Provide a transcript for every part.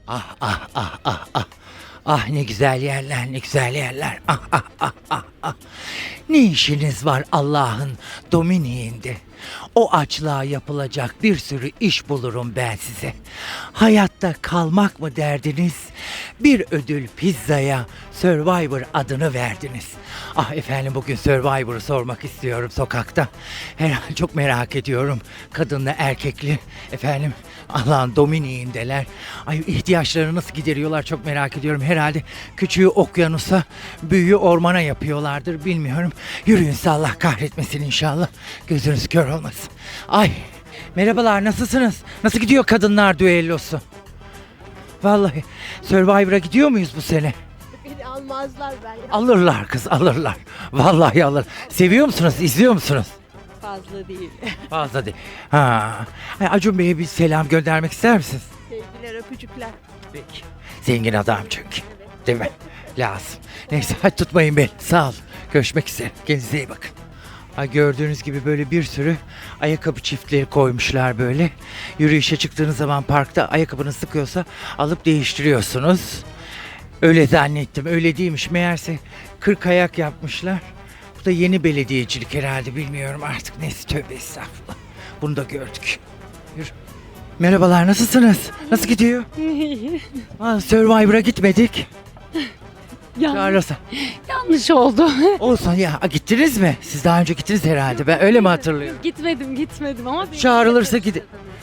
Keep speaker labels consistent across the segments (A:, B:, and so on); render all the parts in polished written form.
A: Ah ah ah ah ah. Ah ne güzel yerler, ne güzel yerler. Ah ah ah ah ah. Ne işiniz var Allah'ın Dominiğinde? O açlığa yapılacak bir sürü iş bulurum ben size. Hayatta kalmak mı derdiniz? Bir ödül pizzaya Survivor adını verdiniz. Ah efendim bugün Survivor'u sormak istiyorum sokakta. Herhalde çok merak ediyorum. Kadınla erkekli efendim Allah'ın Dominiğindeler. Ay ihtiyaçlarını nasıl gideriyorlar çok merak ediyorum. Herhalde küçüğü okyanusa, büyüğü ormana yapıyorlardır bilmiyorum. Yürüyün Allah kahretmesin inşallah. Gözünüz kör olmasın. Ay merhabalar nasılsınız? Nasıl gidiyor kadınlar düellosu? Vallahi Survivor'a gidiyor muyuz bu sene?
B: Beni almazlar ben.
A: Alırlar kız alırlar. Vallahi alır. Seviyor musunuz? İzliyor musunuz?
B: Fazla değil.
A: Fazla değil. Ha. Ay, Acun Bey'e bir selam göndermek ister misiniz?
B: Sevgiler, öpücükler.
A: Peki. Zengin adam çünkü. Değil mi? Lazım. Neyse hadi tutmayın beni. Sağ ol. Görüşmek üzere. Kendinize iyi bakın. Ha, gördüğünüz gibi böyle bir sürü ayakkabı çiftleri koymuşlar böyle. Yürüyüşe çıktığınız zaman parkta ayakkabınız sıkıyorsa alıp değiştiriyorsunuz. Öyle zannettim. Öyle değilmiş. Meğerse 40 ayak yapmışlar. Bu da yeni belediyecilik herhalde. Bilmiyorum artık. Neyse tövbe estağfurullah. Bunu da gördük. Yürü. Merhabalar nasılsınız? Nasıl gidiyor? Ha, Survivor'a gitmedik. Çağırırsa.
C: Yanlış oldu.
A: Olsun ya gittiniz mi? Siz daha önce gittiniz herhalde. Ben öyle mi hatırlıyorum?
C: Gitmedim ama
A: Çağrılırsa gidin.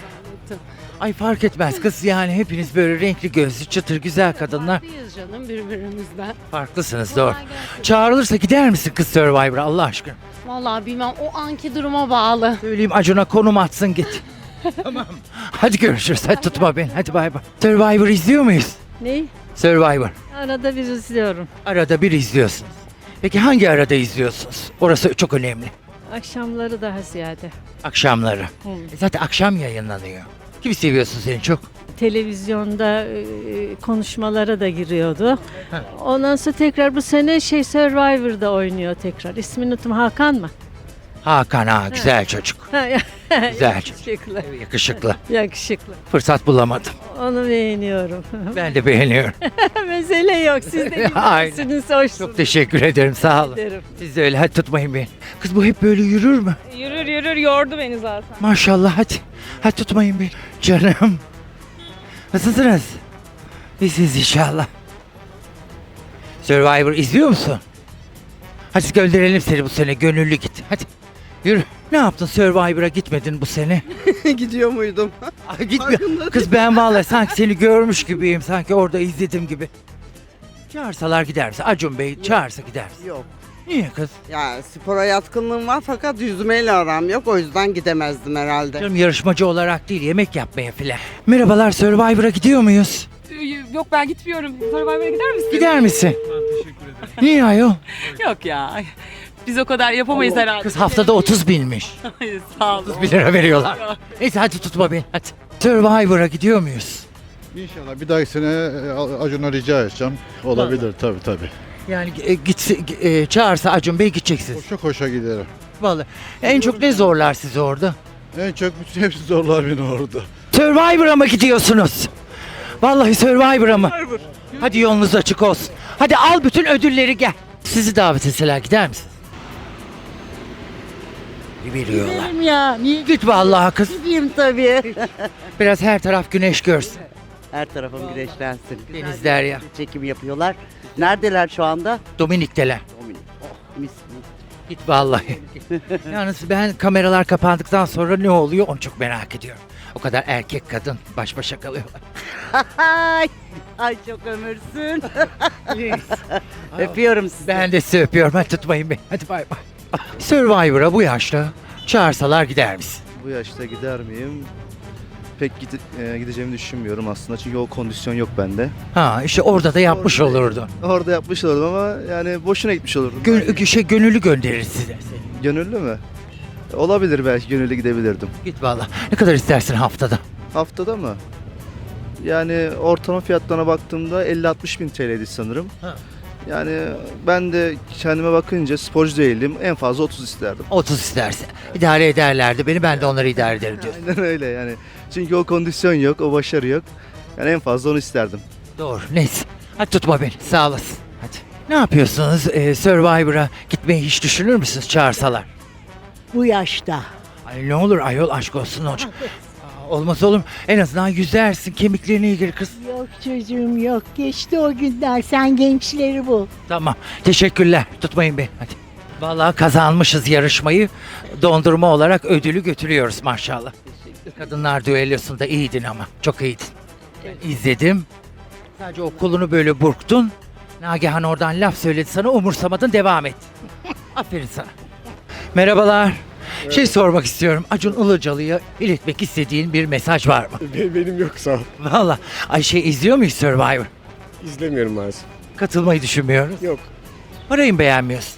A: Ay fark etmez kız yani hepiniz böyle renkli gözlü çıtır güzel kadınlar.
C: Farklıyız canım birbirimizden.
A: Farklısınız doğru.
C: Kolay gelsin.
A: Çağrılırsa gider misin kız Survivor'a Allah aşkına?
C: Vallahi bilmem o anki duruma bağlı.
A: Söyleyeyim Acun'a konum atsın git. Tamam. Hadi görüşürüz. Hadi tutma beni. Hadi bay bay. Survivor izliyor muyuz?
D: Ne?
A: Survivor.
D: Arada bir izliyorum.
A: Arada bir izliyorsunuz. Peki hangi arada izliyorsunuz? Orası çok önemli.
D: Akşamları daha ziyade.
A: Akşamları.
D: Hı.
A: Zaten akşam yayınlanıyor. Kimi seviyorsun seni çok?
D: Televizyonda konuşmalara da giriyordu.
A: Ha.
D: Ondan sonra tekrar bu sene Survivor'da oynuyor tekrar. İsmini unuttum, Hakan mı?
A: Hakan ha güzel çocuk. Güzel çocuk.
D: Yakışıklı.
A: Yakışıklı.
D: Yakışıklı.
A: Fırsat bulamadım.
D: Onu beğeniyorum.
A: Ben de beğeniyorum.
D: Mesele yok. Siz de
A: Aynen.
D: güzelsiniz, hoşsunuz.
A: Çok teşekkür ederim sağ olun.
D: ederim.
A: Siz de öyle hadi tutmayın beni. Kız bu hep böyle yürür mü?
E: Yürür yordu beni zaten.
A: Maşallah hadi. Hadi tutmayın beni. Canım. Nasılsınız? İyisiniz inşallah. Survivor izliyor musun? Hadi gönderelim seni bu sene. Gönüllü git. Hadi. Yürü. Ne yaptın Survivor'a gitmedin bu sene?
F: Gidiyor muydum?
A: Ay gitmiyor. Kız ben vallahi sanki seni görmüş gibiyim. Sanki orada izledim gibi. Çağırsalar gider misin? Acun Bey çağırsa gider misin?
F: Yok.
A: Niye kız?
F: Ya spora yatkınlığım var fakat yüzmeyle aram yok. O yüzden gidemezdim herhalde.
A: Canım yarışmacı olarak değil yemek yapmaya filan. Merhabalar Survivor'a gidiyor muyuz?
E: Yok ben gitmiyorum. Survivor'a gider misin?
A: Gider misin? Ben teşekkür ederim. Niye ayol?
E: Yok ya. Biz o kadar yapamayız herhalde.
A: Kız haftada 30 binmiş.
E: Hayır, sağ olun.
A: 1 lira veriyorlar. Neyse hadi tutma beni hadi. Survivor'a gidiyor muyuz?
G: İnşallah bir dahaki sene Acun'a rica edeceğim. Olabilir tabii.
A: Yani çağırsa Acun Bey gideceksiniz.
G: Koşa koşa giderim.
A: Vallahi en çok ne zorlar sizi orada?
G: En çok bütün hepsi zorlar beni orada.
A: Survivor'a mı gidiyorsunuz? Vallahi Survivor'a mı? Hadi yolunuz açık olsun. Hadi al bütün ödülleri gel. Sizi davet etseler gider misiniz? Veriyorlar.
D: Giderim ya. Niye
A: Git vallahi kız.
D: gideyim tabii.
A: Biraz her taraf güneş görsün.
F: Her tarafım güneşlensin.
A: Denizler ya.
F: Çekim yapıyorlar. Neredeler şu anda?
A: Dominik'teler.
F: Oh, mis mis.
A: Git vallahi. Yalnız ben kameralar kapandıktan sonra ne oluyor onu çok merak ediyorum. O kadar erkek kadın baş başa kalıyorlar.
F: Ay çok ömürsün. Öpüyorum sizi.
A: Ben de sizi öpüyorum. Hadi tutmayın beni. Hadi bay bay. Survivor'a bu yaşta çağırsalar gider misin?
H: Bu yaşta gider miyim? Pek gideceğimi düşünmüyorum aslında çünkü o kondisyon yok bende.
A: Ha işte orada da yapmış olurdun.
H: Orada yapmış olurdum ama yani boşuna gitmiş olurdum.
A: Gönüllü gönderir size.
H: Gönüllü mü? Olabilir belki gönüllü gidebilirdim.
A: Git vallahi. Ne kadar istersin haftada?
H: Haftada mı? Yani ortalama fiyatlarına baktığımda 50-60 bin TL'ydi sanırım.
A: Ha.
H: Yani ben de kendime bakınca sporcu değilim. En fazla 30 isterdim.
A: 30 isterse. İdare ederlerdi beni ben de onları idare ederim diyorsun.
H: Aynen öyle yani. Çünkü o kondisyon yok, o başarı yok. Yani en fazla onu isterdim.
A: Doğru. Neyse. Hadi tutma beni. Sağ olasın. Hadi. Ne yapıyorsunuz? Survivor'a gitmeyi hiç düşünür müsünüz çağırsalar?
B: Bu yaşta.
A: Ay ne olur ayol aşk olsun hocam. Olmaz olur mu? En azından yüzersin, kemiklerine iyi gelir kız.
B: Yok çocuğum yok. Geçti o günler. Sen gençleri bul.
A: Tamam. Teşekkürler. Tutmayın beni. Hadi. Vallahi kazanmışız yarışmayı. Dondurma olarak ödülü götürüyoruz maşallah. Kadınlar düellosunda iyiydin ama. Çok iyiydin. Ben izledim. Sadece o kolunu böyle burktun. Nagihan oradan laf söyledi sana, umursamadın, devam et. Aferin sana. Merhabalar. Şey sormak istiyorum. Acun Ilıcalı'ya iletmek istediğin bir mesaj var mı?
I: Benim yok sağ ol.
A: Vallahi Ayşe izliyor muyuz Survivor?
I: İzlemiyorum maalesef.
A: Katılmayı düşünmüyoruz.
I: Yok.
A: Parayı mı beğenmiyorsun?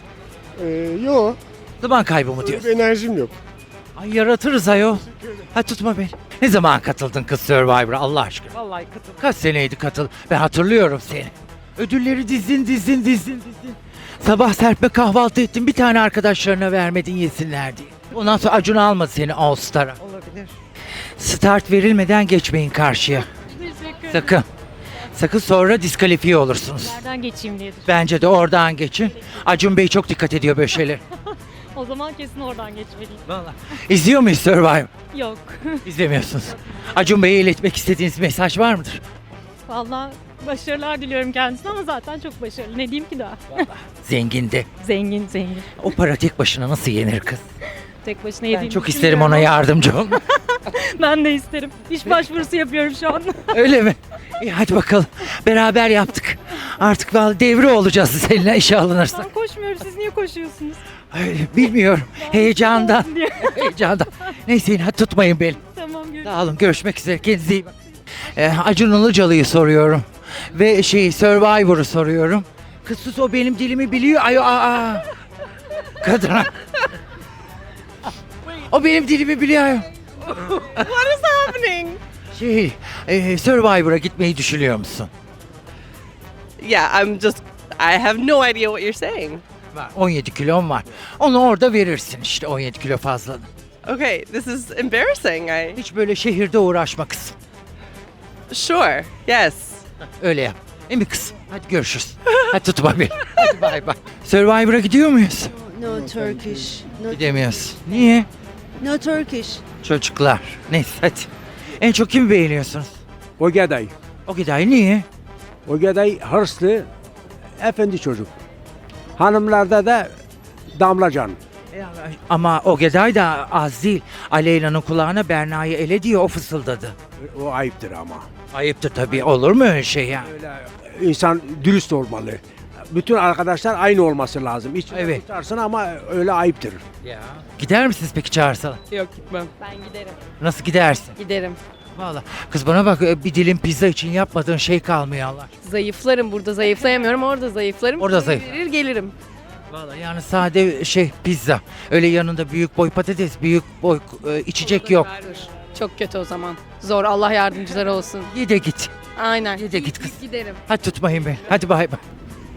I: Yok.
A: Zaman kaybı mı
I: Öyle
A: diyorsun?
I: bir enerjim yok.
A: Ay yaratırız ayol. Hadi tutma beni. Ne zaman katıldın kız Survivor'a Allah aşkına?
E: Vallahi katıl.
A: Kaç seneydi katıl? Ben hatırlıyorum seni. Ödülleri dizdin. Sabah serpme kahvaltı ettin. Bir tane arkadaşlarına vermedin yesinler diye. Ondan sonra Acun almadı seni All Star'a.
E: Olabilir.
A: Start verilmeden geçmeyin karşıya. Sakın. Sakın sonra diskalifiye olursunuz.
C: Nereden geçeyim diye düşündüm.
A: Bence de oradan geçin. Acun Bey çok dikkat ediyor böyle şeyler.
C: O zaman kesin oradan geçmeliyim.
A: Vallahi. İzliyor muyuz Survivor?
C: Yok.
A: İzlemiyorsunuz. Acun Bey'e iletmek istediğiniz mesaj var mıdır?
C: Vallahi başarılar diliyorum kendisine ama zaten çok başarılı. Ne diyeyim ki daha?
A: Zengindi.
C: Zengin.
A: O para tek başına nasıl yenir kız?
C: Tek başına
A: Ben
C: yediğini
A: çok isterim ona
C: düşünmüyorum
A: yardımcı olmak.
C: ama Ben de isterim. İş başvurusu yapıyorum şu an.
A: Öyle mi? İyi hadi bakalım. Beraber yaptık. Artık vallahi devre olacağız seninle işe alınırsak.
C: Ben koşmuyorum. Siz niye koşuyorsunuz?
A: Ay, bilmiyorum. Heyecandan.
C: Olsun diye.
A: Heyecandan. Neyse yine hadi tutmayın beni.
C: Tamam görüşürüz.
A: Sağ olun. Görüşmek üzere. Kendinize iyi bakın. Acun Ilıcalı'yı soruyorum. Ve Survivor'u soruyorum. Kız sus o benim dilimi biliyor. Ay aa. Kadına. O benim dilimi biliyor. Ay.
E: Happening.
A: Survivor'a gitmeyi düşünüyor musun?
E: Yeah, I have no idea what you're saying.
A: Var. 17 kilom var. Onu orada verirsin işte 17 kilo fazladan.
E: Okay, this is embarrassing.
A: Hiç böyle şehirde uğraşma kızım.
E: Sure. Yes.
A: Öyle yap. Değil mi kızım? Hadi görüşürüz. Hadi tutma beni. Hadi bay bay. Survivor'a gidiyor muyuz?
B: No Turkish.
A: Gidemiyoruz. Niye?
B: No Turkish.
A: Çocuklar. Neyse hadi. En çok kimi beğeniyorsunuz?
J: Ogeday.
A: O Gıdayı niye?
J: Ogeday hırslı, efendi çocuk. Hanımlarda da Damlacan.
A: Ama o Gıday da az değil. Aleyna'nın kulağına Berna'yı ele diye o fısıldadı.
J: O ayıptır ama.
A: Ayıptır tabii. Olur mu öyle şey ya?
J: Öyle insan dürüst olmalı. Bütün arkadaşlar aynı olması lazım. İçine
A: Evet.
J: tutarsın ama öyle ayıptır.
A: Ya. Gider misiniz peki çağırsalar?
E: Yok gitmem.
C: Ben giderim.
A: Nasıl gidersin?
C: Giderim.
A: Vallahi kız bana bak bir dilim pizza için yapmadığın şey kalmıyor Allah.
C: Zayıflarım. Burada zayıflayamıyorum. Orada zayıflarım.
A: Orada zayıf.
C: Verir gelirim.
A: Vallahi yani sade pizza. Öyle yanında büyük boy patates, büyük boy içecek yok.
C: Çok kötü o zaman. Zor. Allah yardımcıları olsun.
A: Ye de git.
C: Aynen.
A: Ye de git kız.
C: Giderim.
A: Hadi tutmayın beni. Hadi bay bay.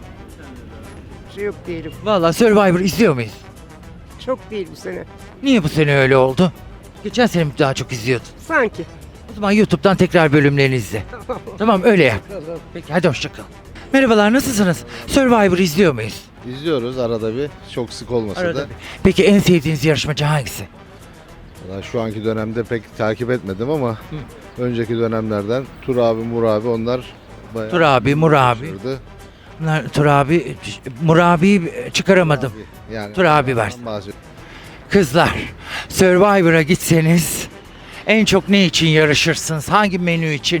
F: Şey yok değilim.
A: Vallahi Survivor izliyor muyuz?
F: Çok değil bu sene.
A: Niye bu sene öyle oldu? Geçen sene mi daha çok izliyordun?
F: Sanki.
A: O zaman YouTube'dan tekrar bölümlerini izle. Tamam öyle yap. Peki hadi hoşça kal. Merhabalar nasılsınız? Survivor izliyor muyuz?
G: İzliyoruz arada bir. Çok sık olmasa
A: Arada
G: da.
A: bir. Peki en sevdiğiniz yarışmacı hangisi?
G: Valla şu anki dönemde pek takip etmedim ama önceki dönemlerden Tur abi, Mur abi onlar bayağı
A: Tur abi, Mur abi.
G: uğraşırdı.
A: Bunlar Tur abi, Mur abiyi çıkaramadım.
G: Yani
A: Tur abi var.
G: ondan bahsediyorum.
A: Kızlar, Survivor'a gitseniz en çok ne için yarışırsınız? Hangi menü için?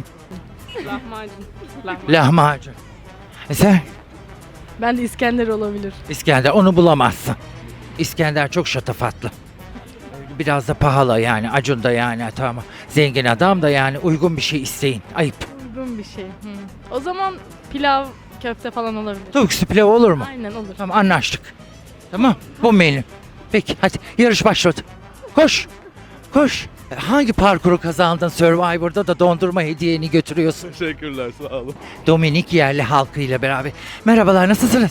E: Lahmacun.
A: Lahmacun. Sen?
C: Ben de İskender olabilir.
A: İskender, onu bulamazsın. İskender çok şatafatlı. Biraz da pahalı yani, Acun da yani tamam. Zengin adam da yani uygun bir şey isteyin. Ayıp.
C: Uygun bir şey. O zaman pilav, köfte falan olabilir.
A: Tavuk üstü pilav olur mu?
C: Aynen olur.
A: Tamam anlaştık. Tamam bu menü. Peki hadi yarış başladı. Koş. Koş. Hangi parkuru kazandın Survivor'da da dondurma hediyeni götürüyorsun?
H: Teşekkürler sağ olun.
A: Dominik yerli halkıyla beraber. Merhabalar nasılsınız?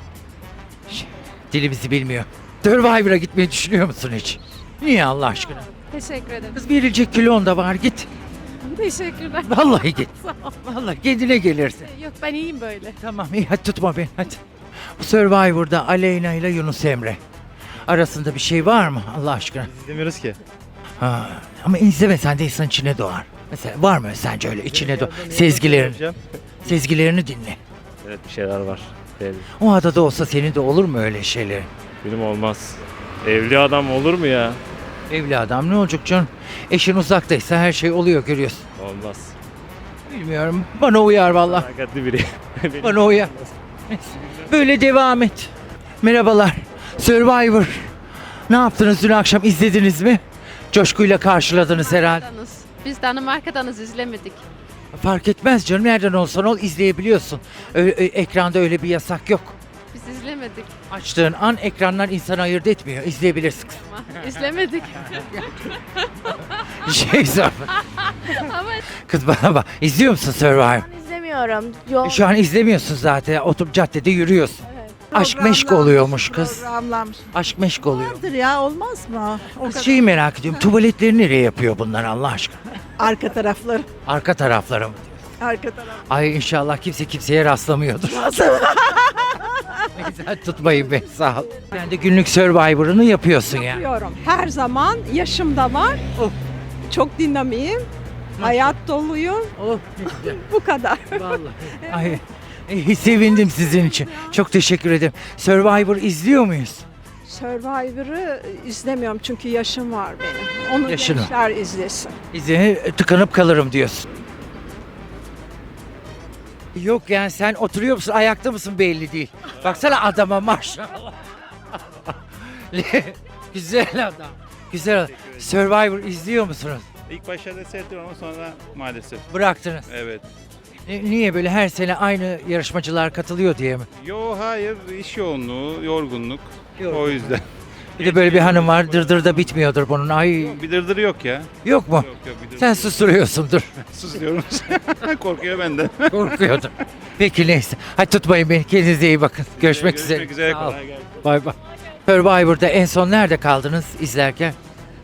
A: Dilimizi bilmiyor. Survivor'a gitmeyi düşünüyor musun hiç? Niye Allah aşkına?
C: Teşekkür ederim.
A: Kız verilecek kilon da var git.
C: Teşekkürler.
A: Vallahi git. Vallahi kendine gelirsin.
C: Yok ben iyiyim böyle.
A: Tamam iyi hadi tutma beni hadi. Bu Survivor'da Aleyna ile Yunus Emre arasında bir şey var mı Allah aşkına?
H: İzlemiyoruz ki.
A: Ha, ama izlemesen de insan içine doğar. Mesela var mı sence öyle içine doğar? Sezgilerini dinle.
K: Evet bir şeyler var. Belli.
A: O adada olsa senin de olur mu öyle şeyler?
K: Benim olmaz. Evli adam olur mu ya?
A: Evli adam ne olacak canım? Eşin uzaktaysa her şey oluyor görüyorsun.
K: Olmaz.
A: Bilmiyorum bana uyar vallahi.
K: Hakikatli biri.
A: Bana uyar. Neyse, böyle devam et. Merhabalar. Survivor. Ne yaptınız dün akşam izlediniz mi? Coşkuyla karşıladınız herhalde.
C: Biz Danimarka'danız izlemedik.
A: Fark etmez canım nereden olsan ol izleyebiliyorsun. Ekranda öyle bir yasak yok.
C: Biz izlemedik
A: Açtığın an ekranlar insanı ayırt etmiyor. İzleyebilirsin.
C: ama. İzlemedik.
A: Şey sor.
C: Ama
A: Kız bana bak. İzliyor musun Survivor?
C: izlemiyorum. Yol
A: Şu an izlemiyorsun zaten. Oturup caddede yürüyorsun. Aşk meşk oluyormuş kız.
B: Programlanmış.
A: Aşk meşk oluyor.
B: Vardır ya olmaz mı? O
A: Kız
B: kadar.
A: şeyi merak ediyorum. Tuvaletleri nereye yapıyor bunlar Allah aşkına?
B: Arka tarafları.
A: Arka tarafları mı?
B: Arka taraf.
A: Ay inşallah kimse kimseye rastlamıyordur. Neyse tutmayın beni sağ ol. Ben de günlük Survivor'ını yapıyorsun ya.
L: Yapıyorum. Her zaman yaşımda var.
A: Oh.
L: Çok dinamiyim. Hayat doluyum.
A: Oh,
L: Bu kadar.
A: vallahi. Ay, sevindim sizin için. Çok teşekkür ederim. Survivor izliyor muyuz?
L: Survivor'ı izlemiyorum çünkü yaşım var benim. Onu
A: Yaşın var.
L: gençler izlesin.
A: Tıkanıp kalırım diyorsun. Yok yani sen oturuyor musun ayakta mısın belli değil. Baksana adama maşallah. Güzel adam. Güzel adam. Survivor izliyor musunuz?
K: İlk başlarda seyrettim ama sonra maalesef.
A: Bıraktınız.
K: Evet.
A: Niye böyle her sene aynı yarışmacılar katılıyor diye mi?
K: Yo hayır iş yoğunluğu, yorgunluk.
A: Yorgunluk.
K: O yüzden.
A: Bir de böyle bir hanım var dırdır da bitmiyordur bunun. Ay
K: Bir dırdırı yok ya.
A: yok mu?
K: Yok bir dırdırı.
A: Sen susturuyorsundur.
K: Susuyorum. Korkuyor benden.
A: Korkuyordum. Peki neyse. Hadi tutmayın beni. Kendinize iyi bakın. Görüşmek üzere.
K: Görüşmek üzere.
A: Sağ ol.
K: Kolay gelsin.
A: Bay bay. Survivor'da en son nerede kaldınız izlerken?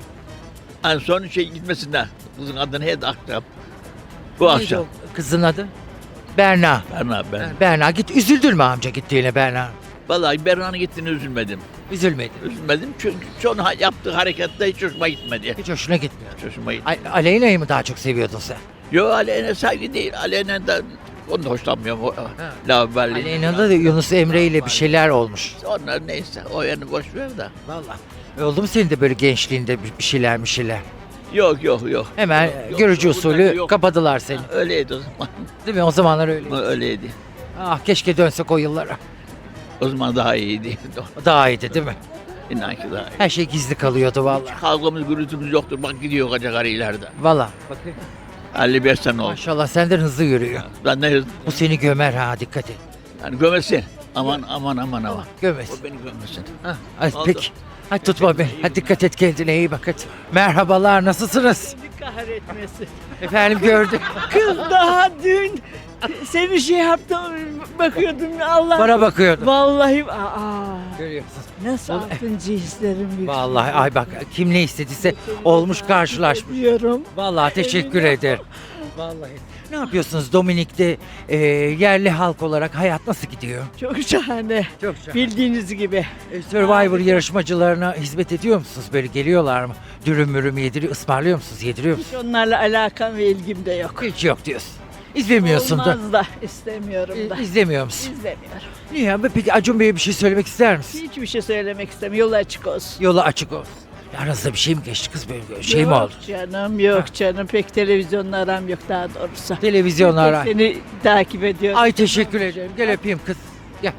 M: En son gitmesinden. Kızın adını hep aktarım. Bu akşam.
A: Kızın adı? Berna.
M: Ben.
A: Berna git üzüldün mü amca gittiğine Berna?
M: Vallahi Berra'nın gittiğini üzülmedim.
A: Üzülmedin.
M: Üzülmedim çünkü son yaptığı harekette hiç hoşuma gitmedi.
A: Hiç hoşuna gitmiyor.
M: Hiç hoşuma gitmedi.
A: Aleyna'yı mı daha çok seviyordun sen?
M: Yo Aleyna saygı değil. Aleyna onu da hoşlanmıyorum. Laubali.
A: Aleyna'da da Yunus Emre ile bir şeyler olmuş.
M: Onlar neyse o yanı boş ver de.
A: Vallahi. Oldu mu senin de böyle gençliğinde bir şeyler?
M: Yok.
A: Hemen
M: Yok,
A: görücü
M: yok,
A: usulü
M: yok.
A: kapadılar seni.
M: Öyleydi o zaman.
A: Değil mi? O zamanlar öyle.
M: Öyleydi.
A: Ah keşke dönsek o yıllara.
M: O zaman daha iyiydi.
A: Daha iyiydi değil mi?
M: İnan ki daha iyi.
A: Her şey gizli kalıyordu vallahi.
M: Kavgamız gürültümüz yoktur. Bak gidiyor koca karılardan.
A: Vallahi. Bakın.
M: 55 sene oldu.
A: Maşallah senden hızlı yürüyor.
M: Ben ne
A: Bu seni gömer ha dikkat et.
M: yani gömesin. Aman.
A: Gömesin.
M: O beni gömesin.
A: Hadi
M: Oldu.
A: peki. Hadi tutma beni. Hadi dikkat et kendine iyi bak hadi. Merhabalar nasılsınız?
B: Kahretmesin.
A: Efendim gördük.
B: Kız daha dün seni şey yaptım bakıyordum Allah.
A: Bana bakıyordum.
B: Vallahi
A: Görüyorsun.
B: nasıl altıncı hislerim yükseliyor.
A: Vallahi ay bak kim ne istediyse olmuş karşılaşmış.
B: Diyorum.
A: Vallahi teşekkür ederim. Vallahi. Ne yapıyorsunuz Dominik'te yerli halk olarak hayat nasıl gidiyor?
B: Çok şahane.
A: Çok güzel.
B: Bildiğiniz gibi.
A: Survivor yarışmacılarına hizmet ediyor musunuz? Böyle geliyorlar mı? Dürüm mürüm ısmarlıyor musunuz? Yediriyor musunuz?
B: Hiç onlarla alakam ve ilgim de yok.
A: Hiç yok diyorsun. İzlemiyorsun da.
B: Olmaz da istemiyorum da.
A: İzlemiyor musun?
B: İzlemiyorum.
A: Niye? Peki Acun Bey'e bir şey söylemek ister misin?
B: Hiçbir şey söylemek istemiyorum. Yolu açık olsun.
A: Yolu açık olsun. Aranızda bir şey mi geçti kız böyle şey mi oldu?
B: Canım yok canım. Pek televizyonla aram yok daha doğrusu.
A: Televizyonlar ara.
B: Seni takip ediyorum.
A: Ay teşekkür ederim. Gel öpeyim kız. Gel.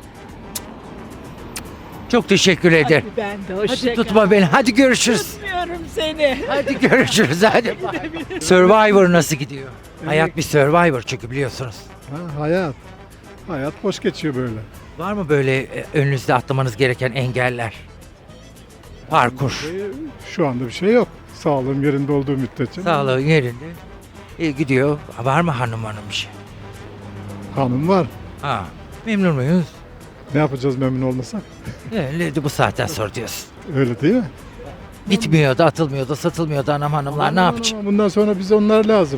A: Çok teşekkür ederim.
B: Hadi ben de hoşça
A: Hadi
B: kal.
A: tutma beni. Hadi görüşürüz.
B: Tutmuyorum seni.
A: Hadi görüşürüz. Hadi. Survivor nasıl gidiyor? Hayat bir Survivor çünkü biliyorsunuz.
I: Hayat. Hayat boş geçiyor böyle.
A: Var mı böyle önünüzde atlamanız gereken engeller? Parkur.
I: Şu anda bir şey yok. Sağlığım yerinde olduğu müddetçe.
A: Sağlığın yerinde. İyi gidiyor. Var mı hanım bir şey?
I: Hanım var.
A: Ha. Memnun muyuz?
I: Ne yapacağız memnun olmasak?
A: Bu saatten sonra diyorsun.
I: Öyle değil mi?
A: Gitmiyor da atılmıyor da satılmıyor da hanımlar ne yapacak?
I: Bundan sonra bize onlar lazım.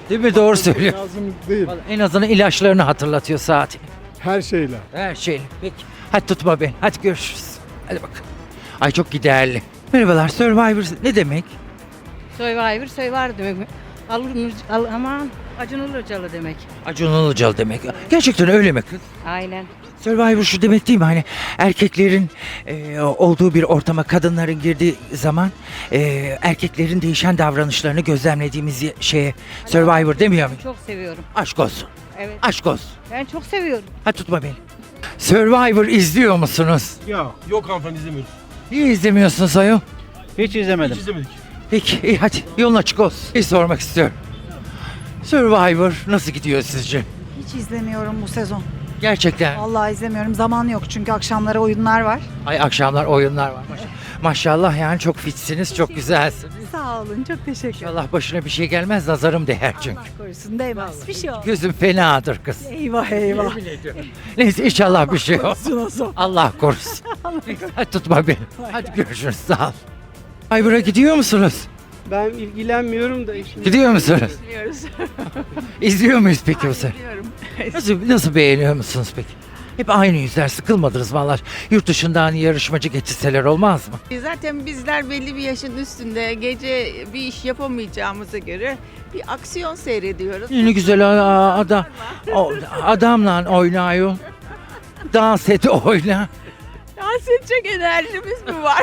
A: Değil mi? Doğru söylüyor.
I: Lazım değil.
A: Vallahi en azından ilaçlarını hatırlatıyor saati.
I: Her şeyle.
A: Her şey. Peki. Hadi tutma beni. Hadi görüşürüz. Hadi bakalım. Ay çok giderli. Merhabalar. Survivor ne demek?
D: Survivor demek. Aman Acun Ilıcalı demek.
A: Acun Ilıcalı demek. Gerçekten öyle mi kız?
D: Aynen.
A: Survivor şu demek değil mi? Hani erkeklerin olduğu bir ortama kadınların girdiği zaman erkeklerin değişen davranışlarını gözlemlediğimiz şeye Survivor demiyor muyum?
D: Çok seviyorum.
A: Aşk olsun.
D: Evet.
A: Aşk olsun.
D: Ben çok seviyorum.
A: Hadi tutma beni. Survivor izliyor musunuz?
J: Yok hanımefendi izlemiyoruz.
A: Niye izlemiyorsunuz ayol?
J: Hiç izlemedik.
A: Peki iyi hadi yolun açık olsun. Bir sormak istiyorum. Survivor nasıl gidiyor sizce?
L: Hiç izlemiyorum bu sezon.
A: Gerçekten.
L: Vallahi izlemiyorum. Zaman yok çünkü akşamları oyunlar var.
A: Ay akşamlar oyunlar var. Maşallah yani çok fitsiniz, çok güzelsiniz.
L: Sağ olun. Çok teşekkür ederim.
A: İnşallah başına bir şey gelmez, nazarım değer çünkü.
L: Korusun değmez. Bir şey olmaz.
A: Gözüm fenadır kız.
L: Eyvah eyvah.
A: Neyse inşallah bir şey yok.
L: Olsun.
A: Allah korusun. Hadi tutma beni. Hadi görüşürüz sağ ol. Survivor'a gidiyor musunuz?
B: Ben ilgilenmiyorum da işte.
A: Gidiyor musunuz?
L: Biliyoruz.
A: İzliyor muyuz peki bu sefer?
L: Biliyorum.
A: Nasıl beğeniyor musunuz peki? Hep aynı yüzler, sıkılmadınız vallahi. Yurt dışından hani yarışmacı getirseler olmaz mı?
B: Zaten bizler belli bir yaşın üstünde gece bir iş yapamayacağımıza göre bir aksiyon seyrediyoruz.
A: Ne güzel adam. Adamla oynuyor. Dans et oyna.
B: Dans edecek enerjimiz mi var?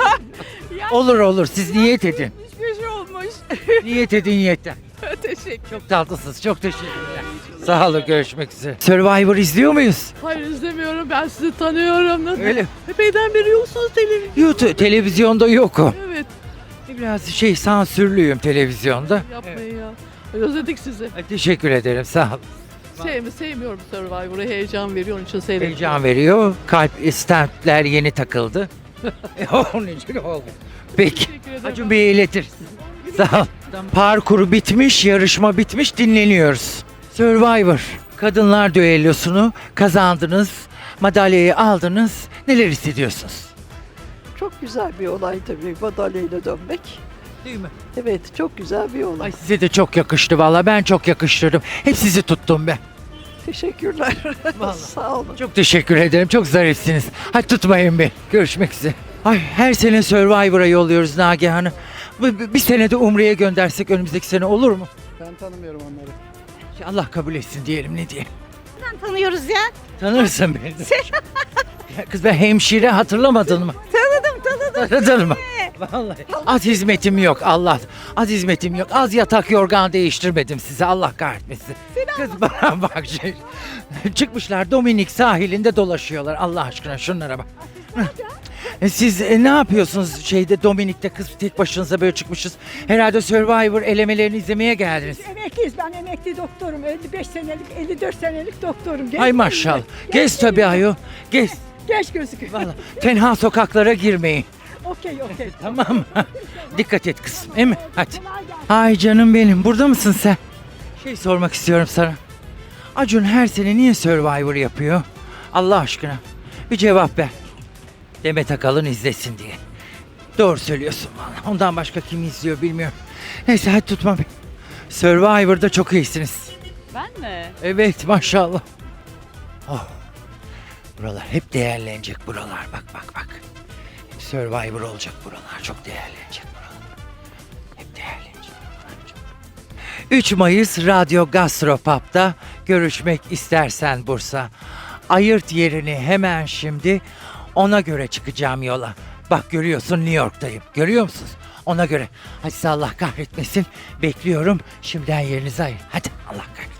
A: Olur siz niyet edin.
B: Hiçbir şey olmuş.
A: Niyet edin yeter.
B: Teşekkür.
A: Çok tatlısınız. Çok teşekkürler. Sağ olun. Görüşmek üzere. Survivor izliyor muyuz?
B: Hayır izlemiyorum. Ben sizi tanıyorum. Nasıl?
A: Öyle.
B: Epeyden beri yoksunuz televizyon.
A: YouTube, televizyonda yokum.
B: Evet.
A: Biraz sansürlüyüm televizyonda.
B: Yapmayın ya. Özledik sizi.
A: Teşekkür ederim. Sağ olun.
B: Sevmiyorum Survivor'ı. Heyecan veriyor. Onun için seyrediyorum.
A: Heyecan veriyor. Kalp stentler yeni takıldı. Onun için oldu. Peki.
B: Teşekkür ederim.
A: Acun Bey'e iletir. Sağ ol. Parkuru bitmiş, yarışma bitmiş, dinleniyoruz. Survivor. Kadınlar düellosunu kazandınız. Madalyayı aldınız. Neler hissediyorsunuz?
L: Çok güzel bir olay tabii madalyayla dönmek.
A: Değil mi?
L: Evet çok güzel bir olay.
A: Ay size de çok yakıştı valla. Ben çok yakıştırdım. Hep sizi tuttum ben.
L: Teşekkürler. Sağ olun.
A: Çok teşekkür ederim. Çok zarifsiniz. Hadi tutmayın beni. Görüşmek üzere. Ay her sene Survivor'a yolluyoruz Nagihan'ı. Bir sene de Umre'ye göndersek önümüzdeki sene olur mu?
I: Ben tanımıyorum onları.
A: Allah kabul etsin diyelim ne diyelim.
L: Tanıyoruz ya.
A: Tanırsın beni. Ya kız ben hemşire hatırlamadın mı?
L: Tanıdım.
A: Tanıdın mı? Vallahi. Az hizmetim yok Allah. Az hizmetim yok. Az yatak yorgan değiştirmedim size Allah kahretmesin. Kız bana bak çıkmışlar Dominik sahilinde dolaşıyorlar Allah aşkına şunlara bak. Siz ne yapıyorsunuz Dominik'te kız tek başınıza böyle çıkmışız. Herhalde Survivor elemelerini izlemeye geldiniz.
L: Emekliyiz. Ben emekli doktorum. 55 senelik, 54 senelik doktorum.
A: Ay maşallah. Gez tabii ayol. Gez.
L: Geç gözüküyor.
A: Vallahi tenha sokaklara girmeyin.
L: Okey.
A: Tamam mı? Dikkat et kızım, değil mi? Hadi. Ay canım benim, burada mısın sen? Sormak istiyorum sana. Acun her sene niye Survivor yapıyor? Allah aşkına. Bir cevap ver. Demet Akalın izlesin diye. Doğru söylüyorsun vallahi. Ondan başka kim izliyor bilmiyorum. Neyse hadi tutma beni. Survivor'da çok iyisiniz.
C: Ben mi?
A: Evet maşallah. Oh. Buralar hep değerlenecek buralar. Bak. Hep Survivor olacak buralar. Çok değerlenecek buralar. Hep değerlenecek buralar. 3 Mayıs Radyo Gastropub'da görüşmek istersen Bursa. Ayırt yerini hemen şimdi ona göre çıkacağım yola. Bak görüyorsun New York'tayım. Görüyor musunuz? Ona göre. Hadi size Allah kahretmesin. Bekliyorum. Şimdiden yerinizi ayır. Hadi Allah kahretmesin.